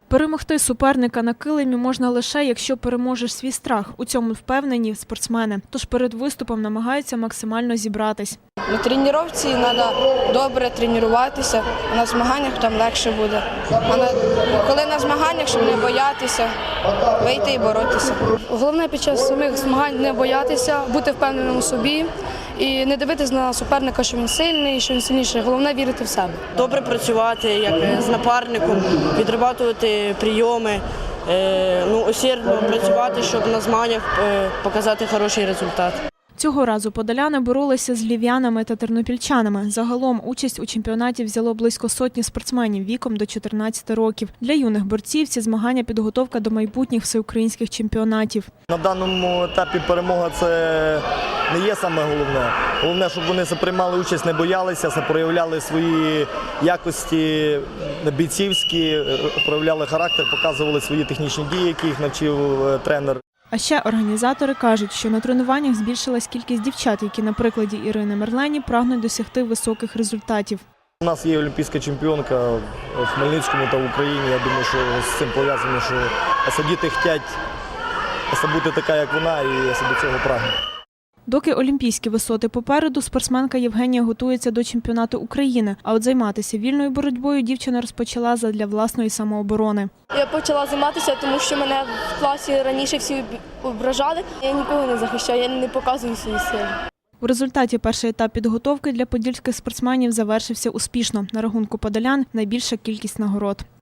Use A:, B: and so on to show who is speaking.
A: Перемогти суперника на килимі можна лише, якщо переможеш свій страх. У цьому впевнені спортсмени. Тож перед виступом намагаються максимально зібратись.
B: На тренуванні треба добре тренуватися, а на змаганнях там легше буде. Коли на змаганнях, щоб не боятися, вийти і боротися.
C: Головне під час самих змагань не боятися, бути впевненим у собі і не дивитися на суперника, що він сильний, що він сильніший. Головне вірити в себе.
D: Добре працювати як з напарником, відрабатувати прийоми, усердно працювати, щоб на змаганнях показати хороший результат.
A: Цього разу подоляни боролися з львів'янами та тернопільчанами. Загалом участь у чемпіонаті взяло близько сотні спортсменів віком до 14 років. Для юних борців ці змагання – підготовка до майбутніх всеукраїнських чемпіонатів.
E: На даному етапі перемога – це не є саме головне. Головне, щоб вони приймали участь, не боялися, проявляли свої якості бійцівські, проявляли характер, показували свої технічні дії, які їх навчив тренер.
A: А ще організатори кажуть, що на тренуваннях збільшилась кількість дівчат, які на прикладі Ірини Мерлені прагнуть досягти високих результатів.
E: У нас є олімпійська чемпіонка в Хмельницькому та в Україні. Я думаю, що з цим пов'язано, що діти хочуть бути така, як вона, і до цього прагнуть.
A: Доки олімпійські висоти попереду, спортсменка Євгенія готується до чемпіонату України. А от займатися вільною боротьбою дівчина розпочала задля власної самооборони.
C: Я почала займатися, тому що мене в класі раніше всі ображали. Я нікого не захищаю, я не показую свої сили.
A: У результаті перший етап підготовки для подільських спортсменів завершився успішно. На рахунку подолян найбільша кількість нагород.